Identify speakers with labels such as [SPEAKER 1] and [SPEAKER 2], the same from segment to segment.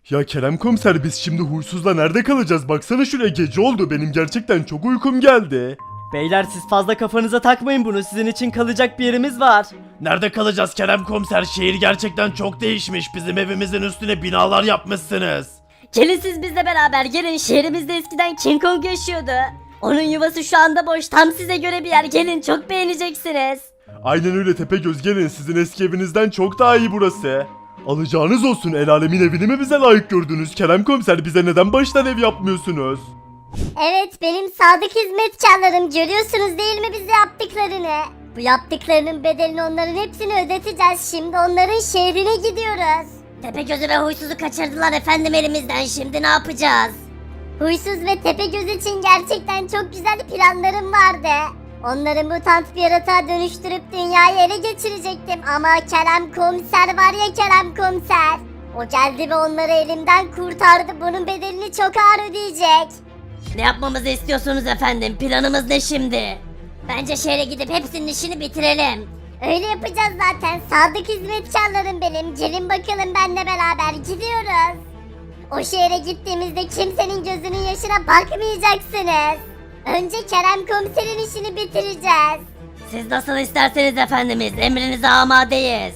[SPEAKER 1] Ya Kerem komiser biz şimdi huysuzla nerede kalacağız? Baksana şuraya gece oldu. Benim gerçekten çok uykum geldi.
[SPEAKER 2] Beyler siz fazla kafanıza takmayın bunu. Sizin için kalacak bir yerimiz var.
[SPEAKER 3] Nerede kalacağız Kerem komiser? Şehir gerçekten çok değişmiş. Bizim evimizin üstüne binalar yapmışsınız.
[SPEAKER 4] Gelin siz bizle beraber gelin. Şehrimizde eskiden King Kong yaşıyordu. Onun yuvası şu anda boş. Tam size göre bir yer. Gelin, çok beğeneceksiniz.
[SPEAKER 1] Aynen öyle Tepegöz, gelin, sizin eski evinizden çok daha iyi burası. Alacağınız olsun, el alemin evini mi bize layık gördünüz? Kerem komiser, bize neden baştan ev yapmıyorsunuz?
[SPEAKER 5] Evet, benim sadık hizmetkarlarım, görüyorsunuz değil mi bize yaptıklarını? Bu yaptıklarının bedelini onların hepsini ödeteceğiz. Şimdi onların şehrine gidiyoruz.
[SPEAKER 4] Tepegöz'ü ve Huysuz'u kaçırdılar efendim elimizden. Şimdi ne yapacağız?
[SPEAKER 5] Huysuz ve Tepegöz için gerçekten çok güzel planlarım vardı. Onları mutant bir yaratığa dönüştürüp dünyayı ele geçirecektim ama Kerem Komiser var ya, Kerem Komiser. O geldi ve onları elimden kurtardı. Bunun bedelini çok ağır ödeyecek.
[SPEAKER 4] Ne yapmamızı istiyorsunuz efendim? Planımız ne şimdi? Bence şehre gidip hepsinin işini bitirelim.
[SPEAKER 5] Öyle yapacağız zaten. Sadık hizmetkarlarım benim. Gelin bakalım benimle beraber gidiyoruz. O şehre gittiğimizde kimsenin gözünün yaşına bakmayacaksınız. Önce Kerem Komiser'in işini bitireceğiz.
[SPEAKER 4] Siz nasıl isterseniz efendimiz. Emrinize amadeyiz.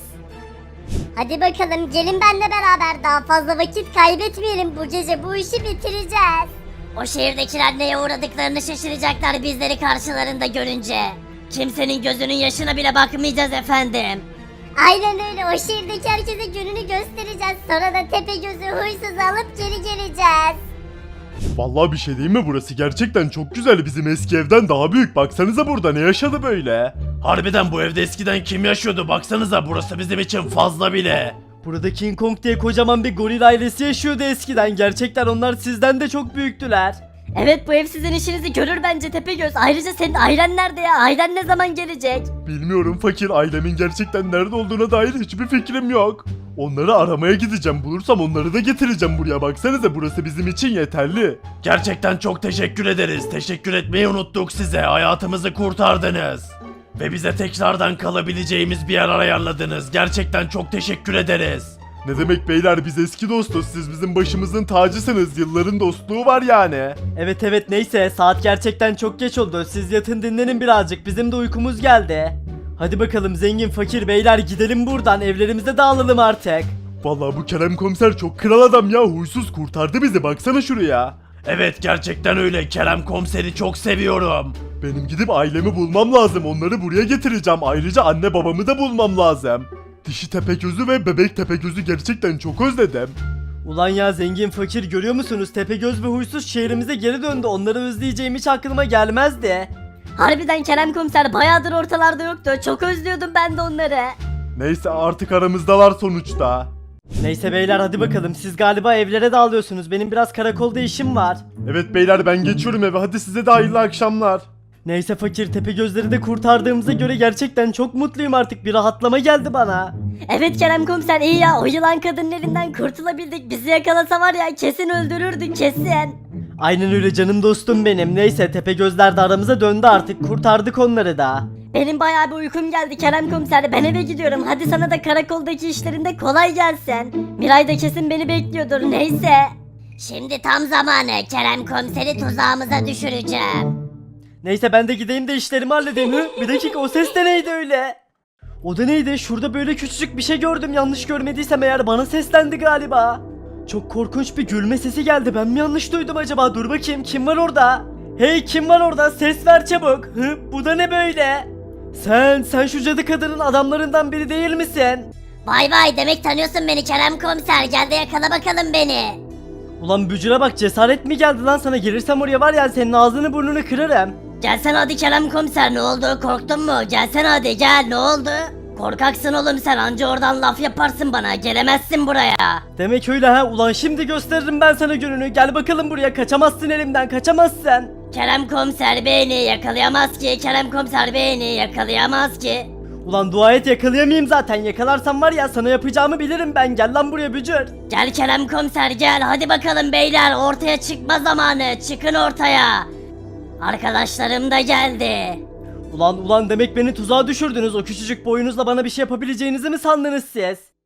[SPEAKER 5] Hadi bakalım gelin benimle beraber, daha fazla vakit kaybetmeyelim. Bu gece bu işi bitireceğiz.
[SPEAKER 4] O şehirdekiler neye uğradıklarını şaşıracaklar bizleri karşılarında görünce. Kimsenin gözünün yaşına bile bakmayacağız efendim.
[SPEAKER 5] Aynen öyle, o şehirdeki herkese gününü göstereceğiz. Sonra da Tepegöz'ü huysuz alıp geri geleceğiz.
[SPEAKER 1] Vallahi bir şey değil mi, burası gerçekten çok güzel, bizim eski evden daha büyük. Baksanıza burada ne yaşadı böyle.
[SPEAKER 3] Harbiden bu evde eskiden kim yaşıyordu? Baksanıza, burası bizim için fazla bile.
[SPEAKER 2] Burada King Kong diye kocaman bir goril ailesi yaşıyordu eskiden. Gerçekten onlar sizden de çok büyüktüler.
[SPEAKER 4] Evet, bu ev sizin işinizi görür bence Tepegöz. Ayrıca senin ailen nerede ya? Ailen ne zaman gelecek?
[SPEAKER 1] Bilmiyorum fakir, ailemin gerçekten nerede olduğuna dair hiçbir fikrim yok. Onları aramaya gideceğim, bulursam onları da getireceğim buraya. Baksanıza, burası bizim için yeterli.
[SPEAKER 3] Gerçekten çok teşekkür ederiz. Teşekkür etmeyi unuttuk size. Hayatımızı kurtardınız. Ve bize tekrardan kalabileceğimiz bir yer ayarladınız. Gerçekten çok teşekkür ederiz.
[SPEAKER 1] Ne demek beyler, biz eski dostuz, siz bizim başımızın tacısınız, yılların dostluğu var yani.
[SPEAKER 2] Evet neyse, saat gerçekten çok geç oldu. Siz yatın dinlenin birazcık, bizim de uykumuz geldi. Hadi bakalım zengin fakir beyler, gidelim buradan, evlerimize dağılalım artık.
[SPEAKER 1] Vallahi bu Kerem komiser çok kral adam ya, huysuz kurtardı bizi, baksana şuraya.
[SPEAKER 3] Evet, gerçekten öyle. Kerem komiseri çok seviyorum.
[SPEAKER 1] Benim gidip ailemi bulmam lazım, onları buraya getireceğim, ayrıca anne babamı da bulmam lazım. Dişi Tepegöz'ü ve bebek Tepegöz'ü gerçekten çok özledim.
[SPEAKER 2] Ulan ya zengin fakir, görüyor musunuz? Tepegöz ve huysuz şehrimize geri döndü. Onları özleyeceğim hiç aklıma gelmezdi.
[SPEAKER 4] Harbiden Kerem Komiser bayağıdır ortalarda yoktu. Çok özlüyordum ben de onları.
[SPEAKER 1] Neyse, artık aramızdalar sonuçta.
[SPEAKER 2] Neyse beyler, hadi bakalım, siz galiba evlere dağılıyorsunuz. Benim biraz karakolda işim var.
[SPEAKER 1] Evet beyler, ben geçiyorum eve, hadi size de hayırlı akşamlar.
[SPEAKER 2] Neyse fakir, Tepegözleri de kurtardığımıza göre gerçekten çok mutluyum artık. Bir rahatlama geldi bana.
[SPEAKER 4] Evet Kerem Komiser, iyi ya, o yılan kadının elinden kurtulabildik. Bizi yakalasa var ya, kesin öldürürdü kesin.
[SPEAKER 2] Aynen öyle canım dostum benim. Neyse, Tepegözler de aramıza döndü artık. Kurtardık onları da.
[SPEAKER 4] Benim bayağı bir uykum geldi Kerem Komiser. Ben eve gidiyorum. Hadi sana da karakoldaki işlerinde kolay gelsin. Miray da kesin beni bekliyordur. Neyse. Şimdi tam zamanı. Kerem Komiseri tuzağımıza düşüreceğim.
[SPEAKER 2] Neyse ben de gideyim de işlerimi halledeyim. Hı? Bir dakika, o ses de neydi öyle? O da neydi? Şurada böyle küçücük bir şey gördüm. Yanlış görmediysem eğer bana seslendi galiba. Çok korkunç bir gülme sesi geldi. Ben mi yanlış duydum acaba? Dur bakayım, kim var orada? Hey, kim var orada? Ses ver çabuk. Hı? Bu da ne böyle? Sen şu cadı kadının adamlarından biri değil misin?
[SPEAKER 4] Vay vay, demek tanıyorsun beni Kerem Komiser. Gel de yakala bakalım beni.
[SPEAKER 2] Ulan bücüre bak, cesaret mi geldi lan sana? Gelirsem oraya var ya, senin ağzını burnunu kırarım.
[SPEAKER 4] Gelsene hadi Kerem Komiser, ne oldu, korktun mu? Gelsene hadi gel, ne oldu? Korkaksın oğlum sen, anca oradan laf yaparsın bana, gelemezsin buraya.
[SPEAKER 2] Demek öyle ha, ulan şimdi gösteririm ben sana gününü. Gel bakalım buraya, kaçamazsın elimden, kaçamazsın.
[SPEAKER 4] Kerem Komiser beni yakalayamaz ki, Kerem Komiser beni yakalayamaz ki.
[SPEAKER 2] Ulan dua et yakalayamayayım zaten, yakalarsam var ya sana yapacağımı bilirim ben. Gel lan buraya bücür.
[SPEAKER 4] Gel Kerem Komiser gel, hadi bakalım beyler, ortaya çıkma zamanı, çıkın ortaya. Arkadaşlarım da geldi.
[SPEAKER 2] Ulan demek beni tuzağa düşürdünüz. O küçücük boyunuzla bana bir şey yapabileceğinizi mi sandınız siz?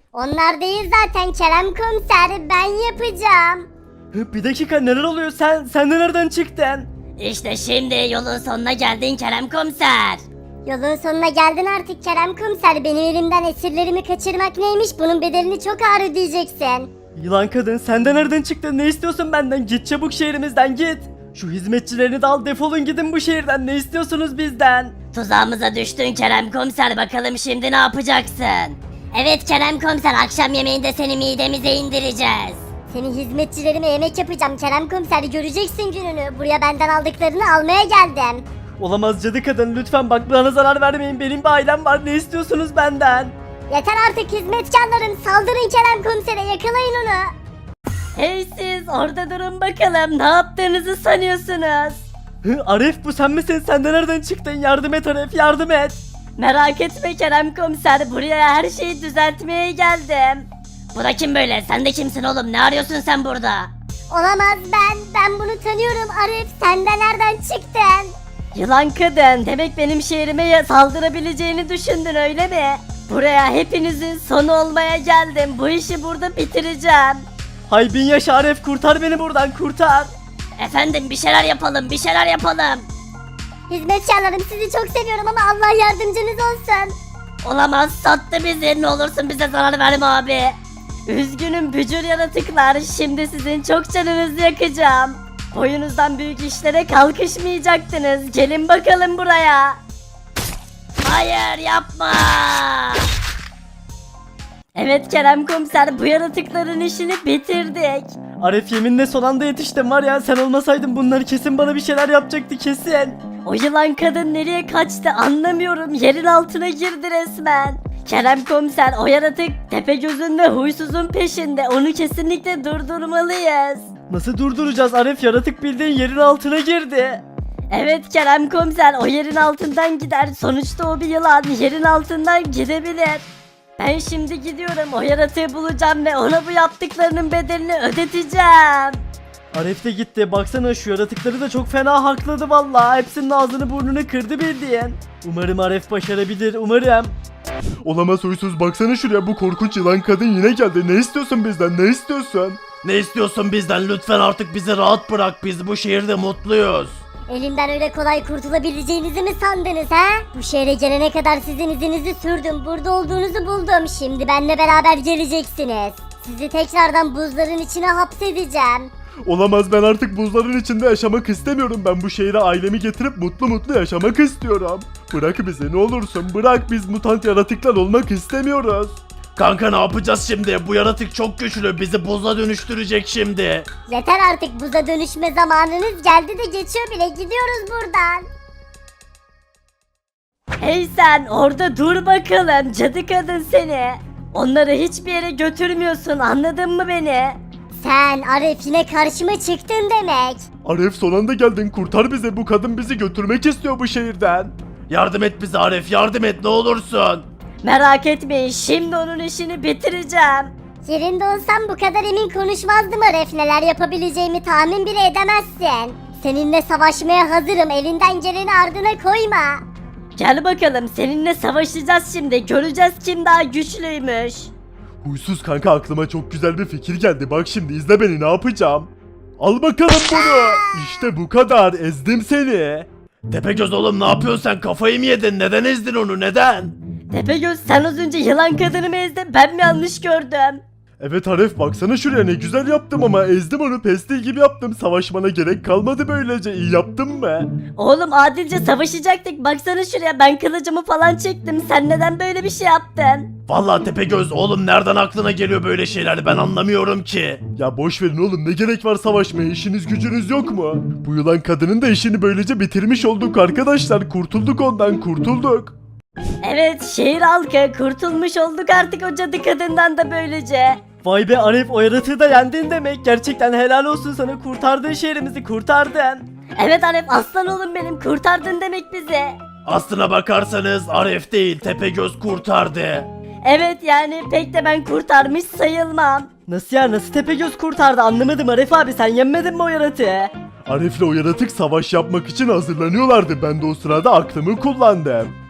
[SPEAKER 5] Onlar değil zaten Kerem komiser, ben yapacağım.
[SPEAKER 2] Bir dakika, neler oluyor, sen de nereden çıktın?
[SPEAKER 4] İşte şimdi yolun sonuna geldin Kerem komiser.
[SPEAKER 5] Yolun sonuna geldin artık Kerem komiser. Benim elimden esirlerimi kaçırmak neymiş? Bunun bedelini çok ağır ödeyeceksin.
[SPEAKER 2] Yılan kadın, sen de nereden çıktın, ne istiyorsun benden? Git çabuk şehrimizden, git. Şu hizmetçilerini de al, defolun gidin bu şehirden, ne istiyorsunuz bizden?
[SPEAKER 4] Tuzağımıza düştün Kerem komiser, bakalım şimdi ne yapacaksın? Evet Kerem komiser, akşam yemeğinde seni midemize indireceğiz.
[SPEAKER 5] Senin hizmetçilerime yemek yapacağım Kerem komiser, göreceksin gününü. Buraya benden aldıklarını almaya geldim.
[SPEAKER 2] Olamaz cadı kadın, lütfen bak, bana zarar vermeyin, benim bir ailem var, ne istiyorsunuz benden?
[SPEAKER 5] Yeter artık hizmetkarlarım, saldırın Kerem komisere, yakalayın onu.
[SPEAKER 4] Hey siz orada durun bakalım, ne yaptığınızı sanıyorsunuz?
[SPEAKER 2] Arif, bu sen misin? Sen de nereden çıktın? Yardım et Arif, yardım et.
[SPEAKER 4] Merak etme Kerem komiser, buraya her şeyi düzeltmeye geldim. Bu da kim böyle? Sen de kimsin oğlum? Ne arıyorsun sen burada?
[SPEAKER 5] Olamaz, ben bunu tanıyorum Arif, sen de nereden çıktın?
[SPEAKER 4] Yılan kadın, demek benim şehrime saldırabileceğini düşündün öyle mi? Buraya hepinizin sonu olmaya geldim. Bu işi burada bitireceğim.
[SPEAKER 2] Hay bin yaş Arif, kurtar beni buradan, kurtar.
[SPEAKER 4] Efendim bir şeyler yapalım, bir şeyler yapalım.
[SPEAKER 5] Hizmetkarlarım, sizi çok seviyorum ama Allah yardımcınız olsun.
[SPEAKER 4] Olamaz, sattı bizi. Ne olursun bize zarar verme abi. Üzgünüm bücür yaratıklar. Şimdi sizin çok canınızı yakacağım. Boyunuzdan büyük işlere kalkışmayacaktınız. Gelin bakalım buraya. Hayır yapma. Evet Kerem komiser, bu yaratıkların işini bitirdik.
[SPEAKER 2] Arif, yeminle son anda yetiştim var ya, sen olmasaydın bunlar kesin bana bir şeyler yapacaktı, kesin.
[SPEAKER 4] O yılan kadın nereye kaçtı anlamıyorum. Yerin altına girdi resmen. Kerem komiser, o yaratık Tepegöz'ün ve Huysuz'un peşinde. Onu kesinlikle durdurmalıyız.
[SPEAKER 2] Nasıl durduracağız Arif, yaratık bildiğin yerin altına girdi.
[SPEAKER 4] Evet Kerem komiser, o yerin altından gider. Sonuçta o bir yılan, yerin altından gidebilir. Ben şimdi gidiyorum, o yaratığı bulacağım ve ona bu yaptıklarının bedelini ödeteceğim.
[SPEAKER 2] Arif de gitti, baksana şu yaratıkları da çok fena hakladı vallahi. Hepsinin ağzını burnunu kırdı bildiğin. Umarım Arif başarabilir, umarım.
[SPEAKER 1] Olamaz huysuz, baksana şuraya, bu korkunç yılan kadın yine geldi. Ne istiyorsun bizden, ne istiyorsun?
[SPEAKER 3] Ne istiyorsun bizden? Lütfen artık bizi rahat bırak. Biz bu şehirde mutluyuz.
[SPEAKER 5] Elimden öyle kolay kurtulabileceğinizi mi sandınız ha? Bu şehre gelene kadar sizin izinizi sürdüm. Burada olduğunuzu buldum. Şimdi benimle beraber geleceksiniz. Sizi tekrardan buzların içine hapsedeceğim.
[SPEAKER 1] Olamaz, ben artık buzların içinde yaşamak istemiyorum. Ben bu şehre ailemi getirip mutlu mutlu yaşamak istiyorum. Bırak bizi ne olursun, bırak, biz mutant yaratıklar olmak istemiyoruz.
[SPEAKER 3] Kanka ne yapacağız şimdi? Bu yaratık çok güçlü. Bizi buza dönüştürecek şimdi.
[SPEAKER 5] Yeter artık, buza dönüşme zamanınız geldi de geçiyor bile, gidiyoruz buradan.
[SPEAKER 4] Hey sen orada dur bakalım, cadı kadın seni. Onları hiçbir yere götürmüyorsun, anladın mı beni?
[SPEAKER 5] Sen Arif yine karşıma çıktın demek.
[SPEAKER 1] Arif, son anda geldin, kurtar bizi, bu kadın bizi götürmek istiyor bu şehirden.
[SPEAKER 3] Yardım et bize Arif, yardım et ne olursun.
[SPEAKER 4] Merak etmeyin, şimdi onun işini bitireceğim.
[SPEAKER 5] Yerinde olsam bu kadar emin konuşmazdım Arif. Neler yapabileceğimi tahmin bile edemezsin. Seninle savaşmaya hazırım. Elinden geleni ardına koyma.
[SPEAKER 4] Gel bakalım, seninle savaşacağız şimdi, göreceğiz kim daha güçlüymüş.
[SPEAKER 1] Huysuz kanka, aklıma çok güzel bir fikir geldi. Bak şimdi izle beni, ne yapacağım. Al bakalım bunu. İşte bu kadar, ezdim seni.
[SPEAKER 3] Tepegöz oğlum ne yapıyorsun sen? Kafayı mı yedin? Neden ezdin onu? Neden?
[SPEAKER 4] Tepegöz, sen az önce yılan kadını mı ezdin, ben mi yanlış gördüm?
[SPEAKER 1] Evet Arif, baksana şuraya, ne güzel yaptım ama ezdim onu, pestil gibi yaptım. Savaşmana gerek kalmadı böylece, iyi yaptım mı?
[SPEAKER 4] Oğlum adilce savaşacaktık, baksana şuraya, ben kılıcımı falan çektim, sen neden böyle bir şey yaptın?
[SPEAKER 3] Vallahi Tepegöz oğlum nereden aklına geliyor böyle şeyler? Ben anlamıyorum ki.
[SPEAKER 1] Ya boş verin oğlum, ne gerek var savaşmaya, işiniz gücünüz yok mu? Bu yılan kadının da işini böylece bitirmiş olduk arkadaşlar, kurtulduk ondan, kurtulduk.
[SPEAKER 4] Evet, şehir halkı kurtulmuş olduk artık o cadı kadından da böylece.
[SPEAKER 2] Vay be Arif, o yaratığı da yendin demek. Gerçekten helal olsun sana, kurtardın şehrimizi, kurtardın.
[SPEAKER 4] Evet Arif, aslan oğlum benim, kurtardın demek bizi.
[SPEAKER 3] Aslına bakarsanız Arif değil Tepegöz kurtardı.
[SPEAKER 4] Evet yani pek de ben kurtarmış sayılmam.
[SPEAKER 2] Nasıl ya, nasıl Tepegöz kurtardı anlamadım Arif abi, sen yenmedin mi o yaratığı?
[SPEAKER 1] Arif'le o yaratık savaş yapmak için hazırlanıyorlardı. Ben de o sırada aklımı kullandım.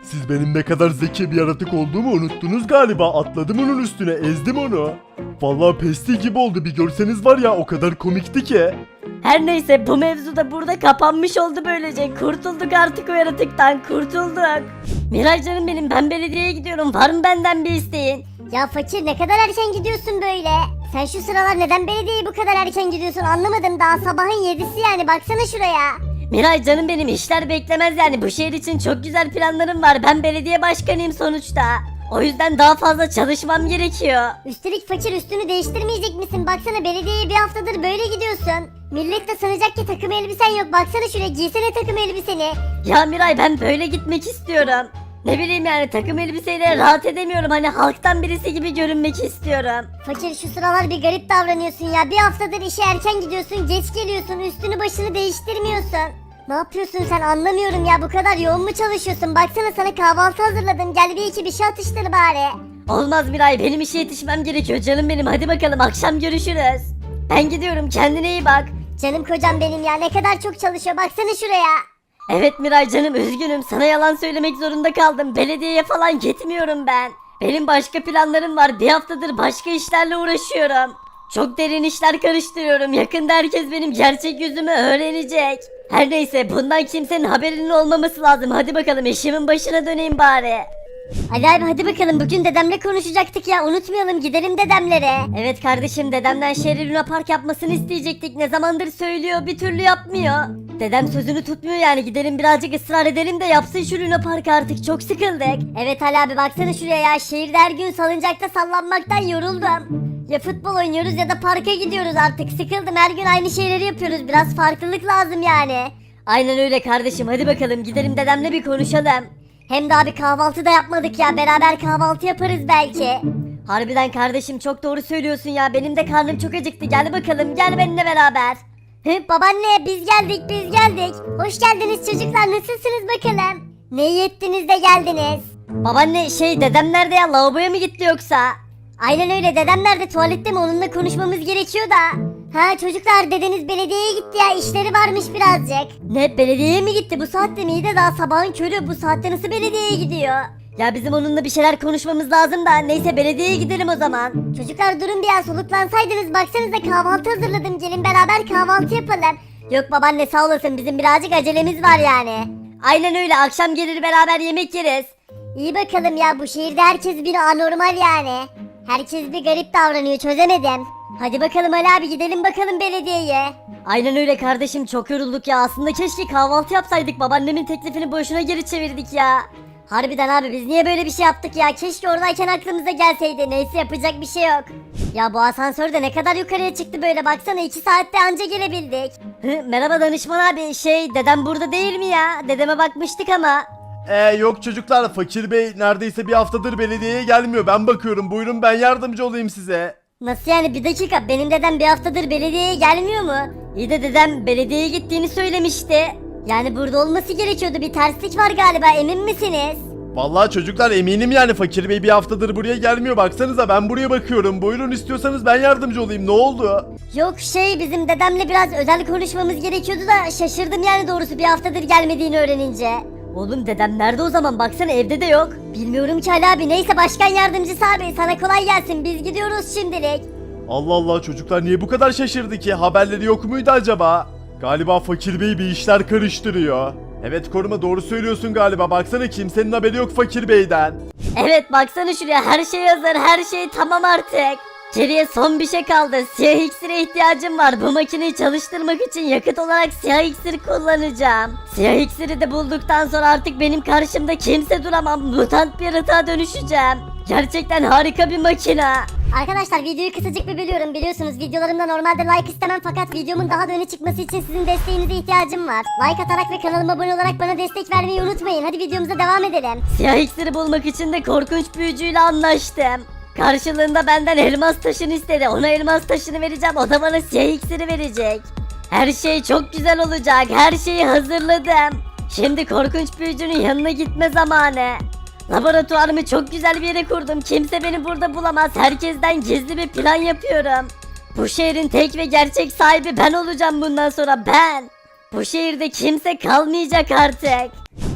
[SPEAKER 1] Siz benim ne kadar zeki bir yaratık olduğumu unuttunuz galiba. Atladım onun üstüne, ezdim onu. Vallahi pesti gibi oldu, bir görseniz var ya, o kadar komikti ki.
[SPEAKER 2] Her neyse bu mevzu da burada kapanmış oldu böylece. Kurtulduk artık o yaratıktan, kurtulduk. Miray canım benim, ben belediyeye gidiyorum. Var mı benden bir isteğin?
[SPEAKER 5] Ya fakir ne kadar erken gidiyorsun böyle? Sen şu sıralar neden belediyeye bu kadar erken gidiyorsun anlamadım. Daha sabahın 7'si yani, baksana şuraya.
[SPEAKER 2] Miray canım benim, işler beklemez yani. Bu şehir için çok güzel planlarım var. Ben belediye başkanıyım sonuçta. O yüzden daha fazla çalışmam gerekiyor.
[SPEAKER 5] Üstelik fakir, üstünü değiştirmeyecek misin? Baksana belediyeye bir haftadır böyle gidiyorsun. Millet de sanacak ki takım elbisen yok. Baksana şuraya, giysene takım elbiseni.
[SPEAKER 2] Ya Miray, ben böyle gitmek istiyorum. Ne bileyim yani, takım elbiseyle rahat edemiyorum. Hani halktan birisi gibi görünmek istiyorum.
[SPEAKER 5] Fakir şu sıralar bir garip davranıyorsun ya. Bir haftadır işe erken gidiyorsun, geç geliyorsun, üstünü başını değiştirmiyorsun. Ne yapıyorsun sen, anlamıyorum ya, bu kadar yoğun mu çalışıyorsun? Baksana sana kahvaltı hazırladım, gel bir iki bir şey atıştır bari.
[SPEAKER 2] Olmaz Miray, benim işe yetişmem gerekiyor canım benim. Hadi bakalım, akşam görüşürüz. Ben gidiyorum, kendine iyi bak.
[SPEAKER 5] Canım kocam benim ya, ne kadar çok çalışıyor, baksana şuraya.
[SPEAKER 2] Evet Miray canım, üzgünüm, sana yalan söylemek zorunda kaldım. Belediyeye falan gitmiyorum ben. Benim başka planlarım var, bir haftadır başka işlerle uğraşıyorum. Çok derin işler karıştırıyorum. Yakında herkes benim gerçek yüzümü öğrenecek. Her neyse, bundan kimsenin haberinin olmaması lazım. Hadi bakalım, işimin başına döneyim bari.
[SPEAKER 5] Ali abi hadi bakalım, bugün dedemle konuşacaktık ya, unutmayalım, gidelim dedemlere.
[SPEAKER 2] Evet kardeşim, dedemden şehri Luna Park yapmasını isteyecektik. Ne zamandır söylüyor, bir türlü yapmıyor. Dedem sözünü tutmuyor yani, gidelim birazcık ısrar edelim de yapsın şu Luna Park artık, çok sıkıldık.
[SPEAKER 5] Evet Ali abi, baksana şuraya ya, şehirde her gün salıncakta sallanmaktan yoruldum. Ya futbol oynuyoruz ya da parka gidiyoruz, artık sıkıldım, her gün aynı şeyleri yapıyoruz, biraz farklılık lazım yani.
[SPEAKER 2] Aynen öyle kardeşim, hadi bakalım gidelim dedemle bir konuşalım.
[SPEAKER 5] Hem daha bir kahvaltı da yapmadık ya, beraber kahvaltı yaparız belki.
[SPEAKER 2] Harbiden kardeşim, çok doğru söylüyorsun ya, benim de karnım çok acıktı. Gel bakalım, gel benimle beraber.
[SPEAKER 5] Babaanne biz geldik. Hoş geldiniz çocuklar, nasılsınız bakalım? Ne iyi ettiniz de geldiniz.
[SPEAKER 2] Babaanne dedem nerede ya, lavaboya mı gitti yoksa?
[SPEAKER 5] Aynen öyle, dedem nerede, tuvalette mi, onunla konuşmamız gerekiyor da. Ha çocuklar, dedeniz belediyeye gitti ya, işleri varmış birazcık.
[SPEAKER 2] Ne, belediyeye mi gitti?
[SPEAKER 5] Bu saatte miydi, daha sabahın körü, bu saatte nasıl belediyeye gidiyor?
[SPEAKER 2] Ya bizim onunla bir şeyler konuşmamız lazım da, neyse belediyeye gidelim o zaman.
[SPEAKER 5] Çocuklar durun bir an, soluklansaydınız, baksanıza kahvaltı hazırladım, gelin beraber kahvaltı yapalım. Yok babaanne sağ olasın, bizim birazcık acelemiz var yani.
[SPEAKER 2] Aynen öyle, akşam gelir beraber yemek yeriz.
[SPEAKER 5] İyi bakalım ya, bu şehirde herkes bir anormal yani. Herkes bir garip davranıyor, çözemedim. Hadi bakalım Ali abi, gidelim bakalım belediyeye.
[SPEAKER 2] Aynen öyle kardeşim, çok yorulduk ya, aslında keşke kahvaltı yapsaydık, babaannemin teklifini boşuna geri çevirdik ya.
[SPEAKER 5] Harbiden abi, biz niye böyle bir şey yaptık ya, keşke oradayken aklımıza gelseydi, neyse yapacak bir şey yok. Ya bu asansör de ne kadar yukarıya çıktı böyle, baksana 2 saatte anca gelebildik.
[SPEAKER 2] Merhaba danışman abi, dedem burada değil mi ya? Dedeme bakmıştık ama.
[SPEAKER 1] Yok çocuklar, Fakir Bey neredeyse bir haftadır belediyeye gelmiyor. Ben bakıyorum, buyurun ben yardımcı olayım size.
[SPEAKER 5] Nasıl yani, bir dakika, benim dedem bir haftadır belediyeye gelmiyor mu?
[SPEAKER 2] İyi de dedem belediyeye gittiğini söylemişti.
[SPEAKER 5] Yani burada olması gerekiyordu, bir terslik var galiba, emin misiniz?
[SPEAKER 1] Vallahi çocuklar eminim yani, Fakir Bey bir haftadır buraya gelmiyor. Baksanıza, ben buraya bakıyorum. Buyurun, istiyorsanız ben yardımcı olayım. Ne oldu?
[SPEAKER 5] Yok bizim dedemle biraz özel konuşmamız gerekiyordu da şaşırdım yani, doğrusu bir haftadır gelmediğini öğrenince.
[SPEAKER 2] Oğlum dedem nerede o zaman, baksana evde de yok.
[SPEAKER 5] Bilmiyorum ki Ali abi, neyse başkan yardımcısı abi, sana kolay gelsin, biz gidiyoruz şimdilik.
[SPEAKER 1] Allah Allah, çocuklar niye bu kadar şaşırdı ki? Haberleri yok muydu acaba? Galiba Fakir Bey bir işler karıştırıyor. Evet Koruma, doğru söylüyorsun galiba. Baksana, kimsenin haberi yok Fakir Bey'den.
[SPEAKER 2] Evet baksana şuraya, her şey hazır, her şey tamam artık. Geriye son bir şey kaldı, siyah iksire ihtiyacım var. Bu makineyi çalıştırmak için yakıt olarak siyah iksir kullanacağım. Siyah iksiri de bulduktan sonra artık benim karşımda kimse duramam, mutant bir yaratığa dönüşeceğim. Gerçekten harika bir makine.
[SPEAKER 5] Arkadaşlar videoyu kısacık bir bölüyorum, biliyorsunuz videolarımda normalde like istemem, fakat videomun daha da öne çıkması için sizin desteğinize ihtiyacım var. Like atarak ve kanalıma abone olarak bana destek vermeyi unutmayın, hadi videomuza devam edelim.
[SPEAKER 2] Siyah iksiri bulmak için de korkunç büyücüyle anlaştım. Karşılığında benden elmas taşını istedi. Ona elmas taşını vereceğim, o da bana siyah iksiri verecek. Her şey çok güzel olacak, her şeyi hazırladım. Şimdi korkunç büyücünün yanına gitme zamanı. Laboratuvarımı çok güzel bir yere kurdum. Kimse beni burada bulamaz. Herkesten gizli bir plan yapıyorum. Bu şehrin tek ve gerçek sahibi ben olacağım bundan sonra, ben. Bu şehirde kimse kalmayacak artık.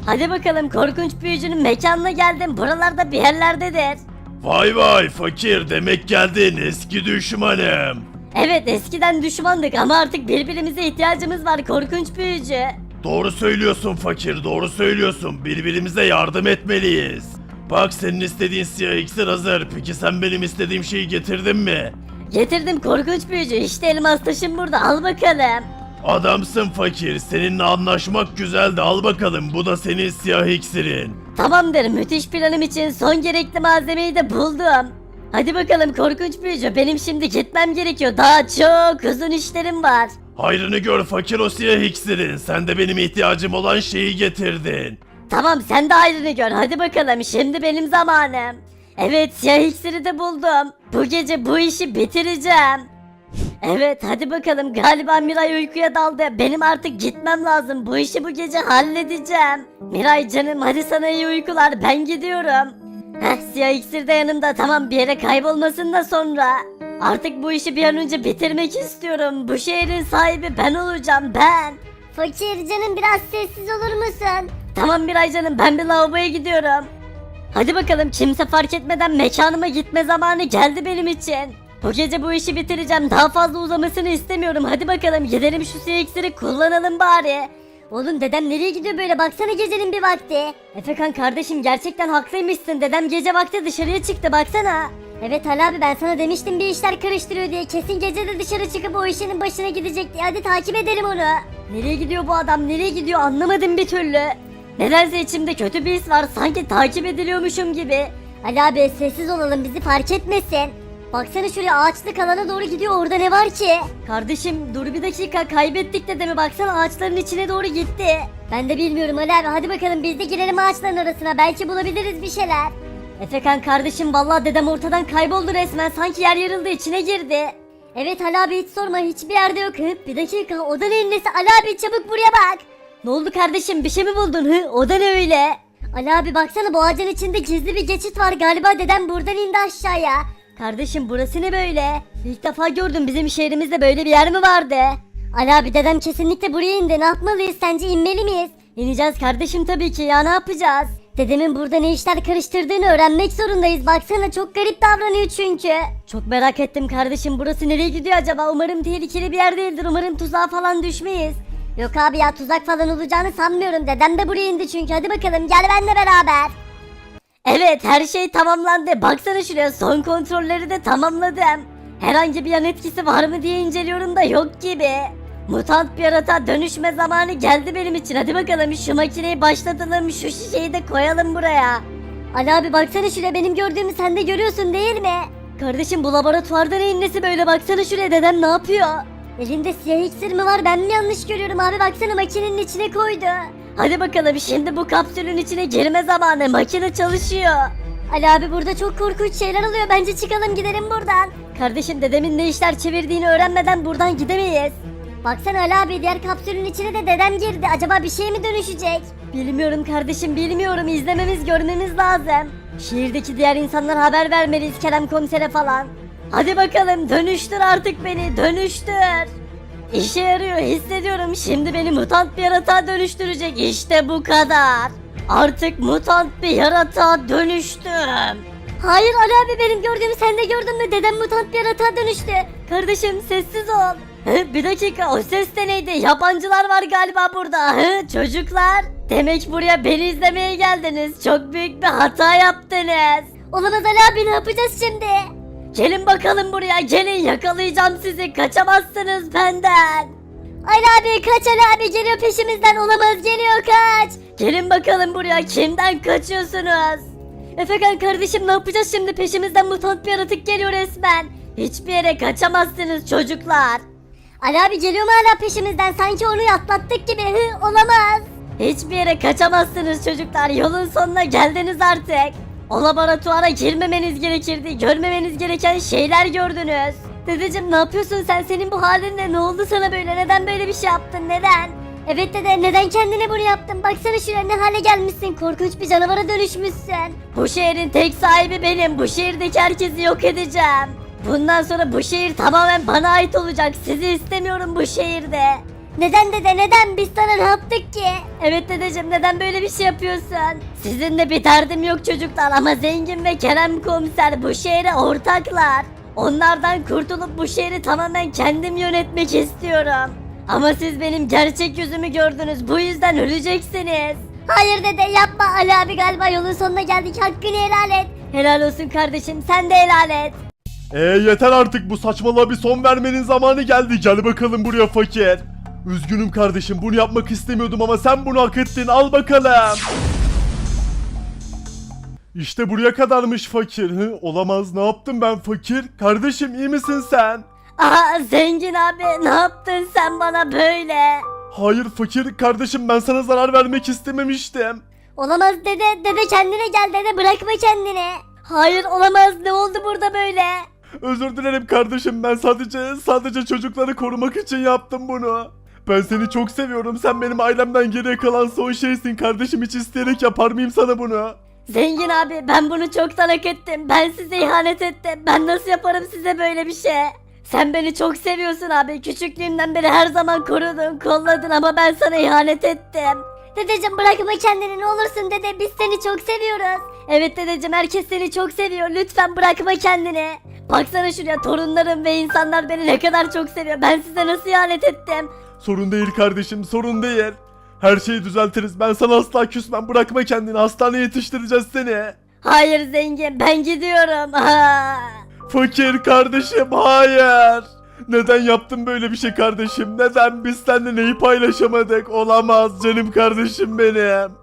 [SPEAKER 4] Hadi bakalım korkunç büyücünün mekanına geldim. Buralarda bir yerlerdedir.
[SPEAKER 3] Vay vay fakir, demek geldin eski düşmanım.
[SPEAKER 4] Evet eskiden düşmandık ama artık birbirimize ihtiyacımız var korkunç büyücü.
[SPEAKER 3] Doğru söylüyorsun fakir, doğru söylüyorsun. Birbirimize yardım etmeliyiz. Bak senin istediğin siyah iksir hazır. Peki sen benim istediğim şeyi getirdin mi?
[SPEAKER 4] Getirdim korkunç büyücü işte elmas taşım burada al bakalım.
[SPEAKER 3] Adamsın fakir. Seninle anlaşmak güzeldi. Al bakalım. Bu da senin siyah iksirin.
[SPEAKER 4] Tamamdır müthiş planım için son gerekli malzemeyi de buldum. Hadi bakalım korkunç büyücü benim şimdi gitmem gerekiyor daha çok uzun işlerim var.
[SPEAKER 3] Hayrını gör fakir o siyah iksirin. Sen de benim ihtiyacım olan şeyi getirdin.
[SPEAKER 4] Tamam sen de ayrını gör hadi bakalım şimdi benim zamanım. Evet siyah iksiri de buldum. Bu gece bu işi bitireceğim. Evet hadi bakalım galiba Miray uykuya daldı. Benim artık gitmem lazım. Bu işi bu gece halledeceğim. Miray canım hadi sana iyi uykular ben gidiyorum. Siyah iksir de yanımda tamam bir yere kaybolmasın da sonra. Artık bu işi bir an önce bitirmek istiyorum. Bu şehrin sahibi ben olacağım ben.
[SPEAKER 5] Fakir canım biraz sessiz olur musun?
[SPEAKER 4] Tamam Miray canım ben bir lavaboya gidiyorum. Hadi bakalım kimse fark etmeden mekanıma gitme zamanı geldi benim için. Bu gece bu işi bitireceğim daha fazla uzamasını istemiyorum hadi bakalım gidelim şu siyah iksiri kullanalım bari.
[SPEAKER 5] Oğlum dedem nereye gidiyor böyle baksana gecenin bir vakti.
[SPEAKER 4] Efekan kardeşim gerçekten haklıymışsın dedem gece vakti dışarıya çıktı baksana.
[SPEAKER 5] Evet Ali abi ben sana demiştim bir işler karıştırıyor diye kesin gece de dışarı çıkıp o işinin başına gidecek diye hadi takip edelim onu.
[SPEAKER 4] Nereye gidiyor bu adam nereye gidiyor anlamadım bir türlü. Nedense içimde kötü bir his var sanki takip ediliyormuşum gibi.
[SPEAKER 5] Ali abi sessiz olalım bizi fark etmesin. Baksana şuraya ağaçlık alana doğru gidiyor orada ne var ki?
[SPEAKER 4] Kardeşim dur bir dakika kaybettik dedemi baksana ağaçların içine doğru gitti.
[SPEAKER 5] Ben de bilmiyorum Ali abi hadi bakalım biz de girelim ağaçların arasına belki bulabiliriz bir şeyler.
[SPEAKER 4] Efekan kardeşim vallahi dedem ortadan kayboldu resmen sanki yer yarıldı içine girdi.
[SPEAKER 5] Evet Ali abi hiç sorma hiçbir yerde yok. Bir dakika o da neyin nesi Ali abi çabuk buraya bak.
[SPEAKER 4] Ne oldu kardeşim bir şey mi buldun o da ne öyle?
[SPEAKER 5] Ali abi baksana bu ağacın içinde gizli bir geçit var galiba dedem buradan indi aşağıya.
[SPEAKER 4] Kardeşim burası ne böyle? İlk defa gördüm bizim şehrimizde böyle bir yer mi vardı?
[SPEAKER 5] Ali abi dedem kesinlikle buraya indi ne yapmalıyız sence inmeli miyiz?
[SPEAKER 4] İneceğiz kardeşim tabii ki ya ne yapacağız?
[SPEAKER 5] Dedemin burada ne işler karıştırdığını öğrenmek zorundayız baksana çok garip davranıyor çünkü.
[SPEAKER 4] Çok merak ettim kardeşim burası nereye gidiyor acaba? Umarım tehlikeli bir yer değildir umarım tuzağa falan düşmeyiz.
[SPEAKER 5] Yok abi ya tuzak falan olacağını sanmıyorum dedem de buraya indi çünkü hadi bakalım gel benimle beraber.
[SPEAKER 4] Evet her şey tamamlandı. Baksana şuraya son kontrolleri de tamamladım. Herhangi bir yan etkisi var mı diye inceliyorum da yok gibi. Mutant bir yaratığa dönüşme zamanı geldi benim için. Hadi bakalım şu makineyi başlatalım. Şu şişeyi de koyalım buraya.
[SPEAKER 5] Ali abi baksana şuraya benim gördüğümü sen de görüyorsun değil mi?
[SPEAKER 4] Kardeşim bu laboratuvarda neyin nesi böyle baksana şuraya dedem ne yapıyor?
[SPEAKER 5] Elinde siyah iksir mi var ben mi yanlış görüyorum abi baksana makinenin içine koydu.
[SPEAKER 4] Hadi bakalım şimdi bu kapsülün içine girme zamanı makine çalışıyor.
[SPEAKER 5] Ali abi burada çok korkunç şeyler oluyor bence çıkalım gidelim buradan.
[SPEAKER 4] Kardeşim dedemin ne işler çevirdiğini öğrenmeden buradan gidemeyiz.
[SPEAKER 5] Baksana Ali abi diğer kapsülün içine de dedem girdi acaba bir şey mi dönüşecek?
[SPEAKER 4] Bilmiyorum kardeşim bilmiyorum izlememiz görmemiz lazım. Şehirdeki diğer insanlara haber vermeliyiz Kerem komisere falan. Hadi bakalım dönüştür artık beni dönüştür. İşe yarıyor hissediyorum şimdi beni mutant bir yaratığa dönüştürecek işte bu kadar. Artık mutant bir yaratığa dönüştüm.
[SPEAKER 5] Hayır Ali abi benim gördüğümü sen de gördün mü dedem mutant bir yaratığa dönüştü.
[SPEAKER 4] Kardeşim sessiz ol. Bir dakika o ses de neydi? Yabancılar var galiba burada. Çocuklar. Demek buraya beni izlemeye geldiniz. Çok büyük bir hata yaptınız.
[SPEAKER 5] Olamaz Ali abi ne yapacağız şimdi?
[SPEAKER 4] Gelin bakalım buraya gelin yakalayacağım sizi kaçamazsınız benden.
[SPEAKER 5] Ali abi kaç Ali abi geliyor peşimizden olamaz geliyor kaç.
[SPEAKER 4] Gelin bakalım buraya kimden kaçıyorsunuz? Efekan kardeşim ne yapacağız şimdi peşimizden mutant bir yaratık geliyor resmen. Hiçbir yere kaçamazsınız çocuklar.
[SPEAKER 5] Ali abi geliyor mu hala peşimizden sanki onu atlattık gibi olamaz.
[SPEAKER 4] Hiçbir yere kaçamazsınız çocuklar yolun sonuna geldiniz artık. O laboratuvara girmemeniz gerekirdi görmemeniz gereken şeyler gördünüz. Dedeciğim ne yapıyorsun sen senin bu halinle ne oldu sana böyle neden böyle bir şey yaptın neden?
[SPEAKER 5] Evet dede neden kendine bunu yaptın baksana şuraya ne hale gelmişsin korkunç bir canavara dönüşmüşsün.
[SPEAKER 4] Bu şehrin tek sahibi benim bu şehirdeki herkesi yok edeceğim. Bundan sonra bu şehir tamamen bana ait olacak sizi istemiyorum bu şehirde.
[SPEAKER 5] Neden dede neden biz sana ne yaptık ki?
[SPEAKER 4] Evet dedeciğim neden böyle bir şey yapıyorsun? Sizinle bir derdim yok çocuklar ama Zengin ve Kerem komiser bu şehre ortaklar. Onlardan kurtulup bu şehri tamamen kendim yönetmek istiyorum. Ama siz benim gerçek yüzümü gördünüz bu yüzden öleceksiniz.
[SPEAKER 5] Hayır dede yapma Ali abi galiba yolun sonuna geldik hakkını helal et.
[SPEAKER 4] Helal olsun kardeşim sen de helal et.
[SPEAKER 1] Yeter artık, bu saçmalığa bir son vermenin zamanı geldi. Gel bakalım buraya fakir. Üzgünüm kardeşim, bunu yapmak istemiyordum ama sen bunu hak ettin, al bakalım. İşte buraya kadarmış fakir. Olamaz, ne yaptım ben fakir? Kardeşim iyi misin sen?
[SPEAKER 4] Aa Zengin abi ne yaptın sen bana böyle?
[SPEAKER 1] Hayır fakir kardeşim, ben sana zarar vermek istememiştim.
[SPEAKER 5] Olamaz dede kendine gel dede bırakma kendini.
[SPEAKER 4] Hayır olamaz ne oldu burada böyle?
[SPEAKER 1] Özür dilerim kardeşim, ben sadece çocukları korumak için yaptım bunu. Ben seni çok seviyorum, sen benim ailemden geriye kalan son şeysin kardeşim, hiç isteyerek yapar mıyım sana bunu?
[SPEAKER 4] Zengin abi ben bunu çoktan hak ettim. Ben size ihanet ettim. Ben nasıl yaparım size böyle bir şey? Sen beni çok seviyorsun abi. Küçüklüğümden beri her zaman korudun, kolladın ama ben sana ihanet ettim.
[SPEAKER 5] Dedeciğim bırakma kendini ne olursun dede biz seni çok seviyoruz.
[SPEAKER 4] Evet dedeciğim herkes seni çok seviyor. Lütfen bırakma kendini. Baksana şuraya torunlarım ve insanlar beni ne kadar çok seviyor. Ben size nasıl ihanet ettim?
[SPEAKER 1] Sorun değil kardeşim, sorun değil. Her şeyi düzeltiriz, ben sana asla küsmem, bırakma kendini, hastaneye yetiştireceğiz seni.
[SPEAKER 4] Hayır zengin ben gidiyorum. Aa.
[SPEAKER 1] Fakir kardeşim, hayır. Neden yaptın böyle bir şey kardeşim? Neden biz seninle neyi paylaşamadık? Olamaz canım kardeşim benim.